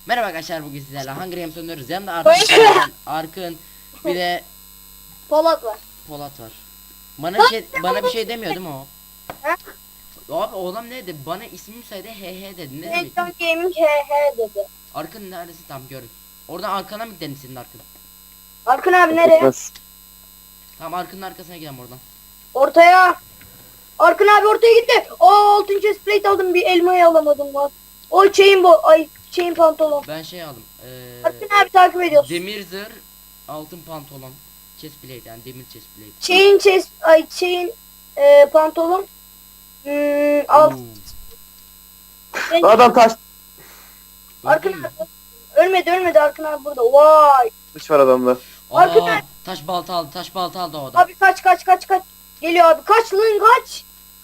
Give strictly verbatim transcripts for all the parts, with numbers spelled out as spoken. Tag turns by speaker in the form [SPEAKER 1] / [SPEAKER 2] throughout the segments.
[SPEAKER 1] Merhaba arkadaşlar, bugün sizlerle Hunger Games oynuyoruz. Yanımda Arkın, Arkın bir de
[SPEAKER 2] Polat var.
[SPEAKER 1] Polat var. Bana bir şey bana bir şey demiyor değil mi o?
[SPEAKER 2] Ha?
[SPEAKER 1] Abi oğlum ne dedi? Bana ismimi söyledi, he he dedi. Ne demek?
[SPEAKER 2] Nation Gaming he he dedi.
[SPEAKER 1] Arkın neredesin? Tam görün. Oradan arkana mı gidelim senin Arkın?
[SPEAKER 2] Arkın abi nereye?
[SPEAKER 3] Etmez.
[SPEAKER 1] Tamam, Arkın'ın arkasına gidelim oradan.
[SPEAKER 2] Ortaya. Arkın abi ortaya gitti. Aa altın chest plate aldım, bir elmayı alamadım lan. O chain bo ay chain pantolon.
[SPEAKER 1] Ben şey aldım. Ee,
[SPEAKER 2] Arkın abi takip ediyorsun.
[SPEAKER 1] demir zırh, altın pantolon, chest plate, yani demir chest plate.
[SPEAKER 2] Chain chest ay chain e, pantolon. Hmm, alt.
[SPEAKER 1] Oo,
[SPEAKER 3] Adam taş
[SPEAKER 2] Arkın
[SPEAKER 1] öldün mü?
[SPEAKER 2] abi. Ölmedi ölmedi Arkın abi burada. Vay.
[SPEAKER 3] kılıç var adamda.
[SPEAKER 2] Arkın
[SPEAKER 1] Aa,
[SPEAKER 2] abi.
[SPEAKER 1] taş balta aldı, taş balta aldı o adam.
[SPEAKER 2] Abi kaç kaç kaç kaç. Geliyor abi. Kaç lan kaç.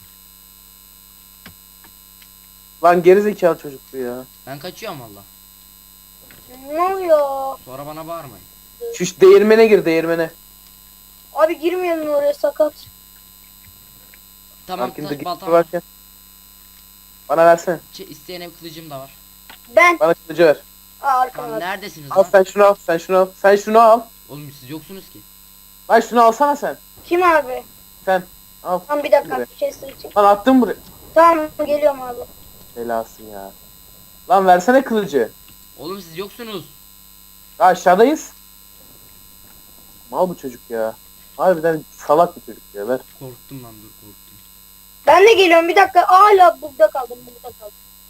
[SPEAKER 3] Lan gerizekalı çocuk bu ya.
[SPEAKER 1] Ben kaçıyorum valla.
[SPEAKER 2] Ne oluyor?
[SPEAKER 1] Sonra bana bağırmayın.
[SPEAKER 3] Şu şu değirmene gir değirmene.
[SPEAKER 2] Abi girmeyelim oraya, sakat.
[SPEAKER 1] Tamam,
[SPEAKER 3] Arkında
[SPEAKER 1] taş
[SPEAKER 3] gitti
[SPEAKER 1] balta var.
[SPEAKER 3] varken. Bana versene.
[SPEAKER 1] Ç- isteyene bir kılıcım da var.
[SPEAKER 2] Ben.
[SPEAKER 3] Bana kılıcı ver.
[SPEAKER 2] Aa, Arkın
[SPEAKER 1] Tamam,
[SPEAKER 2] abi.
[SPEAKER 1] neredesiniz
[SPEAKER 3] Al
[SPEAKER 1] lan?
[SPEAKER 3] sen şunu al. Sen şunu al. Sen şunu al.
[SPEAKER 1] Oğlum siz yoksunuz ki.
[SPEAKER 3] Lan şunu alsana sen.
[SPEAKER 2] Kim abi?
[SPEAKER 3] Sen. Al.
[SPEAKER 2] Tamam bir dakika.
[SPEAKER 3] Buraya.
[SPEAKER 2] Chester için.
[SPEAKER 3] Lan attım buraya.
[SPEAKER 2] Tamam geliyorum abi.
[SPEAKER 3] Belası ya. Lan versene kılıcı.
[SPEAKER 1] Oğlum siz yoksunuz.
[SPEAKER 3] Ya aşağıdayız. Mal bu çocuk ya. Harbiden salak bir çocuk ya. Ver.
[SPEAKER 1] Korktum lan, dur korktum.
[SPEAKER 2] Ben de geliyorum bir dakika. Hala burada kaldım, burada kaldım.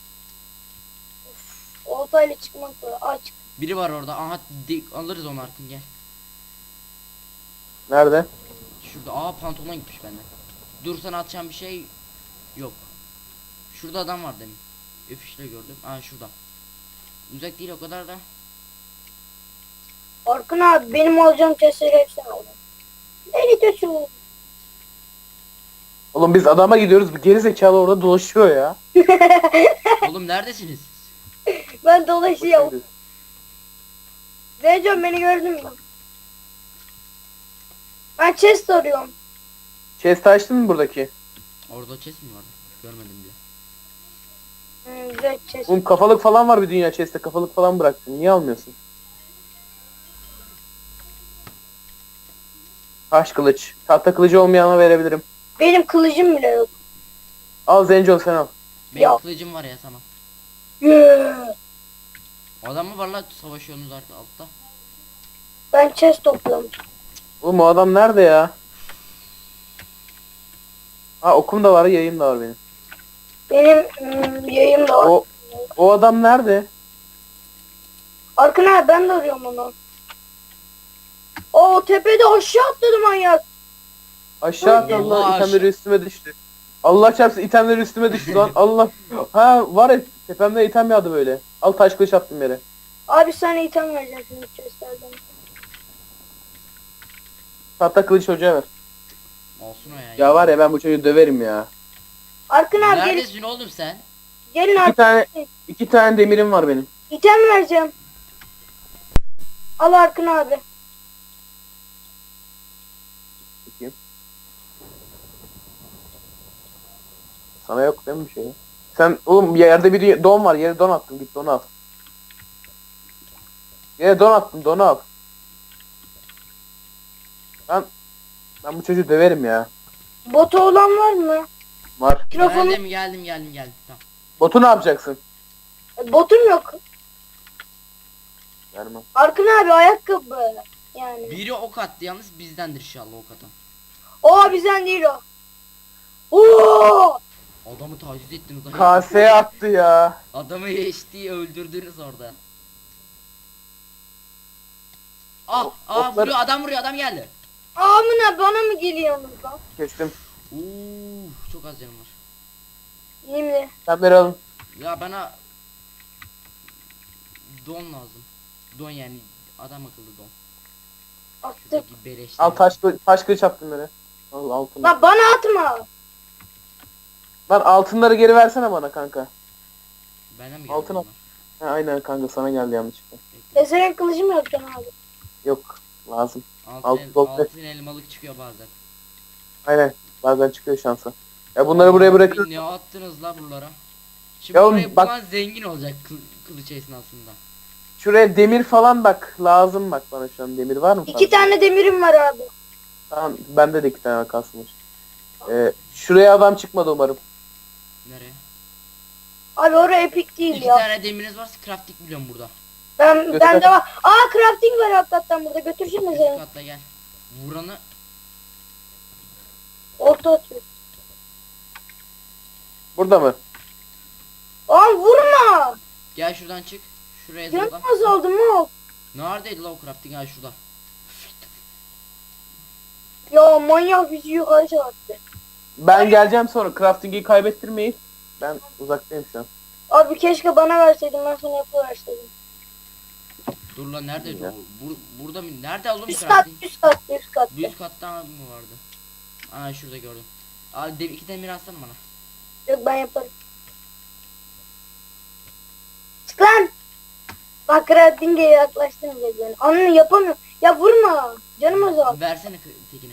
[SPEAKER 2] Of, oltayla çıkmak zor. Aç.
[SPEAKER 1] Biri var orada. Aha, di- alırız onu Arkın, gel.
[SPEAKER 3] Nerede?
[SPEAKER 1] Şurada. Aa, pantolon gitmiş benden. Dur, sana atacağım bir şey yok. Şurada adam var demin. Öfüşle gördüm. Aa, şurada. Uzak değil o kadar da.
[SPEAKER 2] Arkın abi benim alacağım chestleri hepsini aldım. Ne gidiyorsun?
[SPEAKER 3] Oğlum biz adama gidiyoruz. Bu gerizekalı orada dolaşıyor ya.
[SPEAKER 1] Oğlum neredesiniz?
[SPEAKER 2] Ben dolaşıyorum. Zeynep beni gördün mü? Ben chest arıyorum.
[SPEAKER 3] Chest açtın mı buradaki?
[SPEAKER 1] Orada chest mi vardı? Görmedim bile.
[SPEAKER 2] Hmm, güzel chest.
[SPEAKER 3] Oğlum kafalık falan var bir dünya chest'te. Kafalık falan bıraktın. Niye almıyorsun? Taş kılıç. Tahta kılıcı olmayana verebilirim.
[SPEAKER 2] Benim kılıcım bile yok.
[SPEAKER 3] Al Zencol sen al.
[SPEAKER 1] Benim
[SPEAKER 2] Ya.
[SPEAKER 1] kılıcım var ya, tamam.
[SPEAKER 2] Yeah.
[SPEAKER 1] Adam mı var lan, savaşıyorsunuz artık altta?
[SPEAKER 2] Ben chest topladım.
[SPEAKER 3] Oğlum o adam nerede ya? Ha okum da var, yayım da var benim.
[SPEAKER 2] Benim hmm, yayım da var.
[SPEAKER 3] O o adam nerede?
[SPEAKER 2] Arkın abi ben de arıyorum onu. O tepede aşağı atladı manyak.
[SPEAKER 3] Aşağı at
[SPEAKER 1] Allah
[SPEAKER 3] Allah,
[SPEAKER 1] aşağı.
[SPEAKER 3] itemleri üstüme düştü. Allah çarpsın itemleri üstüme düştü lan. Allah. Ha var ya tepemde item yağdı böyle. Al taş kılıç attım yere.
[SPEAKER 2] Abi sana item vereceğim şimdi chestlerden.
[SPEAKER 3] Tahta kılıç çocuğa ver.
[SPEAKER 1] Olsun o ya.
[SPEAKER 3] Ya var ya ben bu çocuğu döverim ya.
[SPEAKER 2] Arkın abi gelin,
[SPEAKER 1] Neredesin oğlum sen?
[SPEAKER 2] gelin
[SPEAKER 3] İki
[SPEAKER 2] abi.
[SPEAKER 3] tane iki tane demirim var benim.
[SPEAKER 2] İtem vereceğim. Al Arkın abi.
[SPEAKER 3] Bakayım. Sana yok değil mi bir şey? Sen oğlum yerde bir don var. Yere don attım. Git don al. Yere don attım. Don al. Ben ben bu çocuğu döverim ya.
[SPEAKER 2] Botu olan var mı?
[SPEAKER 3] Var.
[SPEAKER 2] Mikrofonu.
[SPEAKER 1] Geldim geldim geldim geldim. Tamam.
[SPEAKER 3] Botu ne yapacaksın?
[SPEAKER 2] Botum yok.
[SPEAKER 3] Vermem.
[SPEAKER 2] Arkın abi ayakkabı. Yani.
[SPEAKER 1] Biri ok attı, yalnız bizdendir inşallah ok atan.
[SPEAKER 2] O bizden değil o. Oo!
[SPEAKER 1] Adamı taciz ettiniz.
[SPEAKER 3] K S attı ya.
[SPEAKER 1] Adamı eştiği öldürdünüz orada. Ah, ah
[SPEAKER 3] Okları-
[SPEAKER 1] vuruyor, adam vuruyor, adam geldi.
[SPEAKER 2] Amına bana mı geliyorsunuz lan?
[SPEAKER 3] Kestim.
[SPEAKER 1] Uuu, çok az canım var.
[SPEAKER 2] Şimdi.
[SPEAKER 3] Sen alın.
[SPEAKER 1] Ya bana don lazım. Don, yani adam akıllı don.
[SPEAKER 2] Attık.
[SPEAKER 1] Şuradaki beleşler.
[SPEAKER 3] Al taş kılıç, taş kılıç attım yere. Al altını.
[SPEAKER 2] Lan bana atma.
[SPEAKER 3] Lan altınları geri versene bana kanka.
[SPEAKER 1] Bana mı geldi
[SPEAKER 3] Altın al.
[SPEAKER 1] bunlar?
[SPEAKER 3] Ha, aynen kanka sana geldi yanlışlıkla.
[SPEAKER 1] Bekle.
[SPEAKER 2] Eserin kılıcım yok can abi.
[SPEAKER 3] Yok lazım.
[SPEAKER 1] Altın,
[SPEAKER 3] Altın
[SPEAKER 1] el,
[SPEAKER 3] gold
[SPEAKER 1] altın elmalık çıkıyor bazen.
[SPEAKER 3] Aynen bazen çıkıyor şansa. Ya bunları buraya
[SPEAKER 1] Abi
[SPEAKER 3] bırakın.
[SPEAKER 1] ne attınız la buralara? Şimdi
[SPEAKER 3] Ya
[SPEAKER 1] burayı
[SPEAKER 3] oğlum bak-
[SPEAKER 1] bulan zengin olacak kıl, kılıç esnasında.
[SPEAKER 3] Şuraya demir falan bak. Lazım bak bana şu an. Demir var mı?
[SPEAKER 2] İki
[SPEAKER 3] fazla?
[SPEAKER 2] tane demirim var abi.
[SPEAKER 3] Tamam bende de iki tane kalsınmış. Ee, şuraya adam çıkmadı umarım.
[SPEAKER 1] Nereye?
[SPEAKER 2] Abi oraya epik değil
[SPEAKER 1] İki
[SPEAKER 2] ya.
[SPEAKER 1] tane demiriniz varsa crafting biliyorum burada.
[SPEAKER 2] Ben
[SPEAKER 3] Göster.
[SPEAKER 2] bende var. Aa crafting var hakikaten burada. Götürsene
[SPEAKER 1] Üst
[SPEAKER 2] seni.
[SPEAKER 1] katta gel. Vuranı
[SPEAKER 2] Orta atıyor.
[SPEAKER 3] Burada mı?
[SPEAKER 2] Aa vurma.
[SPEAKER 1] gel şuradan çık. Şuraya
[SPEAKER 2] Canım
[SPEAKER 1] zıpla.
[SPEAKER 2] azaldı mı?
[SPEAKER 1] Neredeydi la o crafting? Ha şurada.
[SPEAKER 2] Ya manyak bizi yukarı çarptı.
[SPEAKER 3] Ben geleceğim sonra. Crafting'i kaybettirmeyin. Ben uzaktayım şu an.
[SPEAKER 2] Abi keşke bana verseydin ben sana yapıverseydim.
[SPEAKER 1] Dur lan neredeydi
[SPEAKER 3] Ya.
[SPEAKER 1] o? Bur burada mı? Nerede oğlum
[SPEAKER 2] Üst kat,
[SPEAKER 1] crafting?
[SPEAKER 2] üst kat, üst kat.
[SPEAKER 1] Bir üst katta mı vardı? Aa şurada gördüm. Abi de, iki demir atsana bana.
[SPEAKER 2] Yok ben yaparım. Çık lan. Bak crafting'e yaklaştın beni. Anne yapamıyorum. Ya vurma. Canım azaldı.
[SPEAKER 1] Versene kı- tekini.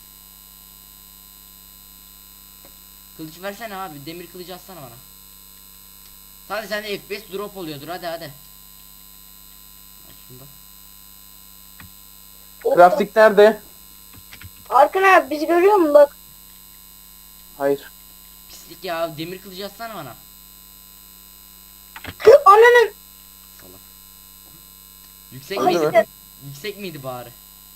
[SPEAKER 1] Kılıç versene abi. Demir kılıcı atsana bana. Hadi sende F P S drop oluyordur. Hadi hadi. Aslında.
[SPEAKER 3] Crafting nerede?
[SPEAKER 2] Arkana abi bizi görüyor musun bak.
[SPEAKER 3] Hayır.
[SPEAKER 1] Pislik ya. Demir kılıcı atsana bana.
[SPEAKER 2] Ananın.
[SPEAKER 1] Salak. Yüksek
[SPEAKER 3] Hadi
[SPEAKER 1] miydi?
[SPEAKER 3] be.
[SPEAKER 1] Yüksek miydi bari?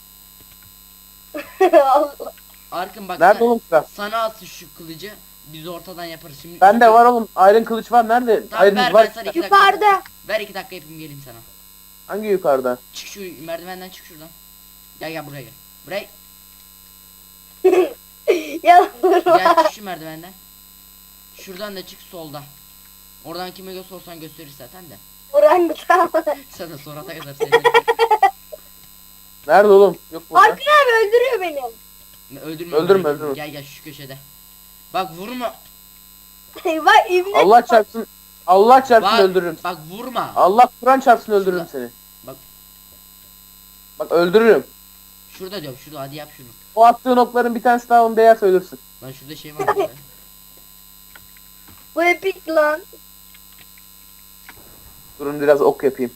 [SPEAKER 2] Allah.
[SPEAKER 1] Arkın bak
[SPEAKER 3] Nerede
[SPEAKER 1] sen-
[SPEAKER 3] oğlum craft?
[SPEAKER 1] sana atsın şu kılıcı. Biz ortadan yaparız. Şimdi
[SPEAKER 3] Bende var oğlum. Iron kılıç var. Nerede?
[SPEAKER 1] Tamam,
[SPEAKER 3] Iron
[SPEAKER 1] ver,
[SPEAKER 3] var.
[SPEAKER 1] ben sana iki dakika.
[SPEAKER 2] Yukarıda.
[SPEAKER 1] Ver iki dakika yapayım geleyim sana.
[SPEAKER 3] Hangi yukarıda?
[SPEAKER 1] Çık şu merdivenden çık şuradan. Gel gel buraya gel. Buraya
[SPEAKER 2] Ya
[SPEAKER 1] gel çık şu merdivenden. Şuradan da çık solda. Oradan kime gö sorsan gösterir zaten de.
[SPEAKER 2] orangutan.
[SPEAKER 1] Sen de sonrata kadar seni.
[SPEAKER 3] Nerede oğlum? Yok burada.
[SPEAKER 2] Arkın abi öldürüyor beni.
[SPEAKER 1] öldürme.
[SPEAKER 3] Öldürme,
[SPEAKER 1] burayı.
[SPEAKER 3] öldürme.
[SPEAKER 1] Gel gel şu köşede. Bak vurma.
[SPEAKER 2] Bak ibne.
[SPEAKER 3] Allah çarpsın. Allah çarpsın
[SPEAKER 1] Bak,
[SPEAKER 3] öldürürüm.
[SPEAKER 1] bak vurma.
[SPEAKER 3] Allah Kur'an çarpsın öldürürüm
[SPEAKER 1] Şurada.
[SPEAKER 3] seni.
[SPEAKER 1] Bak
[SPEAKER 3] Bak öldürürüm.
[SPEAKER 1] şurada diyorum şurada hadi yap şunu.
[SPEAKER 3] O attığın okların bir tanesi daha onu değerse ölürsün.
[SPEAKER 1] Lan şurada şey var ya.
[SPEAKER 2] Bu epik lan.
[SPEAKER 3] Durun biraz ok yapayım.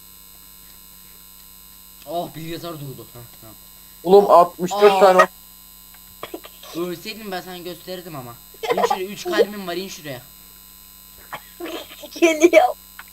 [SPEAKER 1] Oh bilgisayar durdu. Heh, tamam.
[SPEAKER 3] Oğlum altmış dört
[SPEAKER 1] Aa.
[SPEAKER 3] tane ok.
[SPEAKER 1] Ölseydim ben sana gösterirdim ama. İn şuraya üç kalbim var in şuraya.
[SPEAKER 2] Geliyor.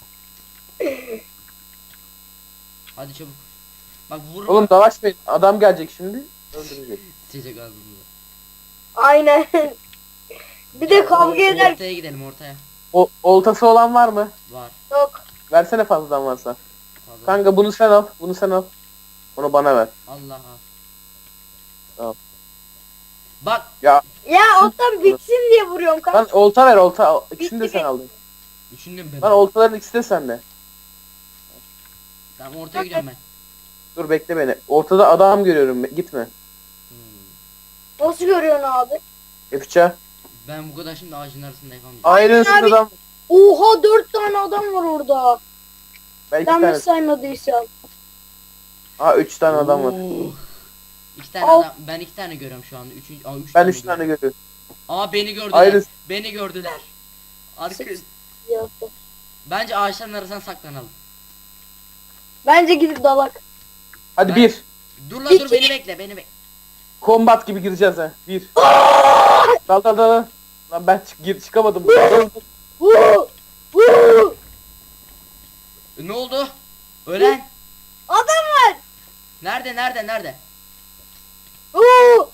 [SPEAKER 1] Hadi çabuk. Bak vurma.
[SPEAKER 3] Oğlum dalaşmayın. Adam gelecek şimdi. Öldürecek.
[SPEAKER 1] Sıcak ağzımıza.
[SPEAKER 2] Aynen. Bir de kavga eder.
[SPEAKER 1] Ortaya gidelim ortaya.
[SPEAKER 3] O oltası olan var mı?
[SPEAKER 1] Var.
[SPEAKER 2] Yok.
[SPEAKER 3] Versene fazladan varsa.
[SPEAKER 1] Fazla.
[SPEAKER 3] Kanka bunu sen al. Bunu sen al. Onu bana ver.
[SPEAKER 1] Allah al.
[SPEAKER 3] Tamam.
[SPEAKER 1] Bak
[SPEAKER 3] Ya
[SPEAKER 2] Ya ottan bitsin diye vuruyorum kanka.
[SPEAKER 3] lan olta ver olta. İkisini de
[SPEAKER 2] Bitti
[SPEAKER 3] sen
[SPEAKER 2] mi?
[SPEAKER 3] aldın.
[SPEAKER 1] düşündüm ben.
[SPEAKER 3] Lan oltaların ikisi de sende.
[SPEAKER 1] Tamam ortaya gidiyorum ben.
[SPEAKER 3] Dur bekle beni. Ortada adam görüyorum. Gitme.
[SPEAKER 1] Hmm.
[SPEAKER 2] Nasıl görüyorsun abi?
[SPEAKER 3] Yapacağım.
[SPEAKER 1] Ben bu kadar şimdi ağacın arasında yapamayacağım.
[SPEAKER 3] Ayrınsız
[SPEAKER 2] abi.
[SPEAKER 3] adam.
[SPEAKER 2] Oha dört tane adam var orada.
[SPEAKER 3] Belki
[SPEAKER 2] Ben
[SPEAKER 3] tane.
[SPEAKER 2] mi saymadıysam.
[SPEAKER 3] Aa üç tane adam var.
[SPEAKER 1] Oo. İki tane
[SPEAKER 2] Al.
[SPEAKER 1] adam. Ben iki tane görüyorum şu anda. Üçüncü, aa, üç
[SPEAKER 3] Ben
[SPEAKER 1] tane
[SPEAKER 3] üç tane
[SPEAKER 1] görüyorum.
[SPEAKER 3] görüyorum.
[SPEAKER 1] Aa beni gördüler.
[SPEAKER 3] Ayrı.
[SPEAKER 1] Beni gördüler. Arka...
[SPEAKER 2] Sık- Ya.
[SPEAKER 1] Bence ağaçların arasına saklanalım.
[SPEAKER 2] Bence gidip dalak.
[SPEAKER 3] Hadi
[SPEAKER 1] Ben-
[SPEAKER 3] bir.
[SPEAKER 1] Dur lan dur
[SPEAKER 2] İki.
[SPEAKER 1] beni bekle beni bekle.
[SPEAKER 3] Kombat gibi gireceğiz ha. Bir. Dal dal dal. Lan ben çık gir çıkamadım.
[SPEAKER 2] Vuu! Vuu!
[SPEAKER 1] E, ne oldu? Ölen.
[SPEAKER 2] Adam var.
[SPEAKER 1] Nerede nerede nerede?
[SPEAKER 2] Vuu!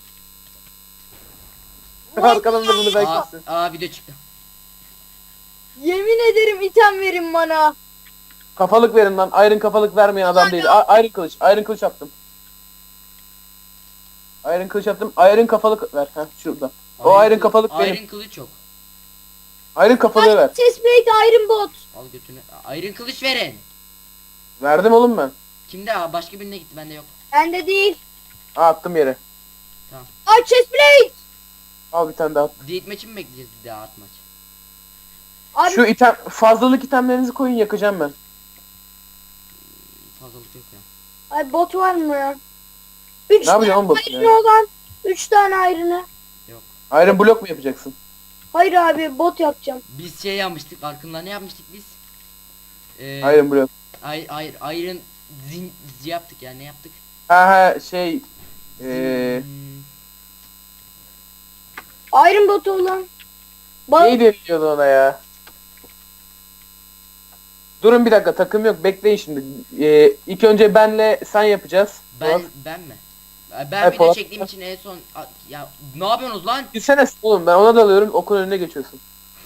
[SPEAKER 3] Arkadan da bunu
[SPEAKER 1] Aa,
[SPEAKER 3] beklesin.
[SPEAKER 1] aa video çıktı.
[SPEAKER 2] Yemin ederim item verin bana.
[SPEAKER 3] Kafalık verin lan. Iron kafalık vermeyen adam değil. A- Iron kılıç. Iron kılıç yaptım. Iron kılıç yaptım. Iron kafalık ver. Ha şurada. O
[SPEAKER 1] Iron
[SPEAKER 3] iron
[SPEAKER 1] kılı-
[SPEAKER 3] kafalık benim.
[SPEAKER 1] Iron kılıç yok.
[SPEAKER 3] Iron kafalığı ver.
[SPEAKER 2] Chestplate Iron Bot.
[SPEAKER 1] Al götünü. Iron kılıç verin.
[SPEAKER 3] Verdim oğlum ben.
[SPEAKER 1] Kimde? Aa, başka birine gitti bende yok.
[SPEAKER 2] Bende değil.
[SPEAKER 3] Aa, attım yere.
[SPEAKER 2] Ay chestplate.
[SPEAKER 3] Al bir tane daha.
[SPEAKER 1] Date maçı mı bekleyeceğiz bir daha at maç?
[SPEAKER 2] Abi
[SPEAKER 3] Şu item fazlalık itemlerinizi koyun yakacağım ben.
[SPEAKER 1] Fazlalık yok ya.
[SPEAKER 2] ay bot var mı ya? Üç
[SPEAKER 3] Ne
[SPEAKER 2] tane
[SPEAKER 3] yapacaksın oğlum botu
[SPEAKER 2] iron
[SPEAKER 3] ya?
[SPEAKER 2] olan. Üç tane iron'ı.
[SPEAKER 1] Yok.
[SPEAKER 3] Iron blok mu yapacaksın?
[SPEAKER 2] Hayır abi bot yapacağım.
[SPEAKER 1] Biz şey yapmıştık. Arkında ne yapmıştık biz? Ee,
[SPEAKER 3] Iron blok.
[SPEAKER 1] Hayır hayır Iron zin yaptık ya, ne yaptık?
[SPEAKER 3] Ha ha şey eee
[SPEAKER 1] Hmm,
[SPEAKER 2] Iron botu olan. Bal
[SPEAKER 3] neydi deniyordu ona ya? Durun bir dakika, takım yok, bekleyin şimdi. Eee ilk önce benle sen yapacağız.
[SPEAKER 1] ben
[SPEAKER 3] Polat,
[SPEAKER 1] ben mi? Ben
[SPEAKER 3] Hayır,
[SPEAKER 1] video
[SPEAKER 3] Polat-
[SPEAKER 1] çektiğim için en son A- ya ne yapıyorsunuz lan?
[SPEAKER 3] gitsene oğlum, ben ona dalıyorum, okun önüne geçiyorsun.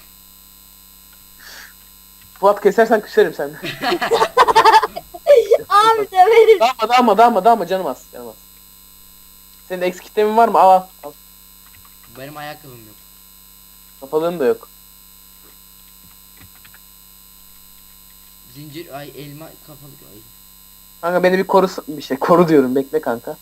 [SPEAKER 3] Fuat, kesersen küserim sen.
[SPEAKER 2] abi severim.
[SPEAKER 3] Dağma dağma dağma dağma, canım az canım az. Senin eksik kitlemin var mı? Al al. al.
[SPEAKER 1] Benim ayakkabım yok.
[SPEAKER 3] Kapalığın da yok.
[SPEAKER 1] Zincir ay elma kafalı ay.
[SPEAKER 3] Kanka beni bir koru, bir şey koru diyorum, bekle kanka.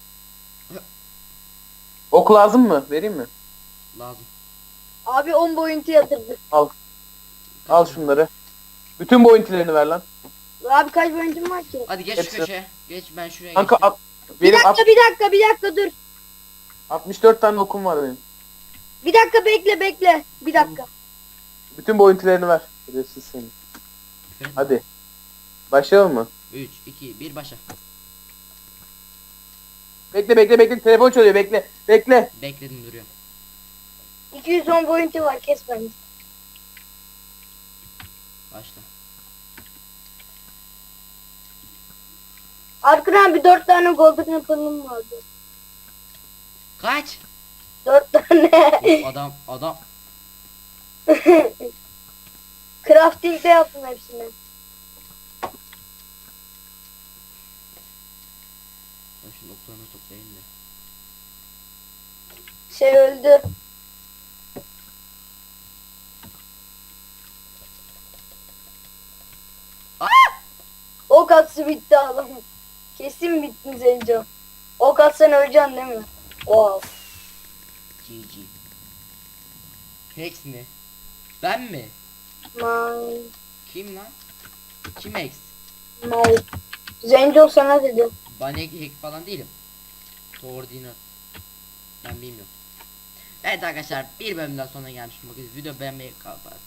[SPEAKER 3] Ok lazım mı? Vereyim mi?
[SPEAKER 1] Lazım.
[SPEAKER 2] Abi on boyuntu yatırdı.
[SPEAKER 3] Al şunları. Bütün boyuntilerini ver lan.
[SPEAKER 2] Abi kaç boyuntum var ki?
[SPEAKER 1] Hadi geç
[SPEAKER 3] Hepsi.
[SPEAKER 1] şu köşeye. Geç, ben şuraya
[SPEAKER 3] Kanka
[SPEAKER 1] geçtim.
[SPEAKER 3] at,
[SPEAKER 2] Bir
[SPEAKER 3] benim
[SPEAKER 2] dakika
[SPEAKER 3] at-
[SPEAKER 2] bir dakika bir dakika dur.
[SPEAKER 3] altmış dört tane okum var benim.
[SPEAKER 2] Bir dakika bekle bekle. Bir dakika.
[SPEAKER 3] Bütün boyuntilerini ver. Şerefsiz seni. Hadi. Başlayalım mı?
[SPEAKER 1] üç, iki, bir başla.
[SPEAKER 3] Bekle bekle bekle, telefon çalıyor, bekle. Bekle.
[SPEAKER 1] Bekledim, duruyorum.
[SPEAKER 2] iki yüz on boyuntu var, kes beni.
[SPEAKER 1] Başla.
[SPEAKER 2] Arkana abi dört tane golden apple'ım vardı.
[SPEAKER 1] Kaç?
[SPEAKER 2] Dört tane.
[SPEAKER 1] Of, adam adam
[SPEAKER 2] Crafting'de yaptım hepsini.
[SPEAKER 1] Ben şu noktalarını toplayayım da.
[SPEAKER 2] Şey öldü. Ok atsı bitti adam. Kesin bitti Zenco. Ok atsan öleceksin değil mi? Wow.
[SPEAKER 1] G G. Hex mi? Ben mi?
[SPEAKER 2] My,
[SPEAKER 1] Kim lan? Kim Hex?
[SPEAKER 2] my. Zenco sana dedi.
[SPEAKER 1] Ben hack, hack falan değilim. Koordinat. Ben bilmiyorum. Evet arkadaşlar, bir bölümden sonra gelmişim. Bakın video beğenmeyi kapat.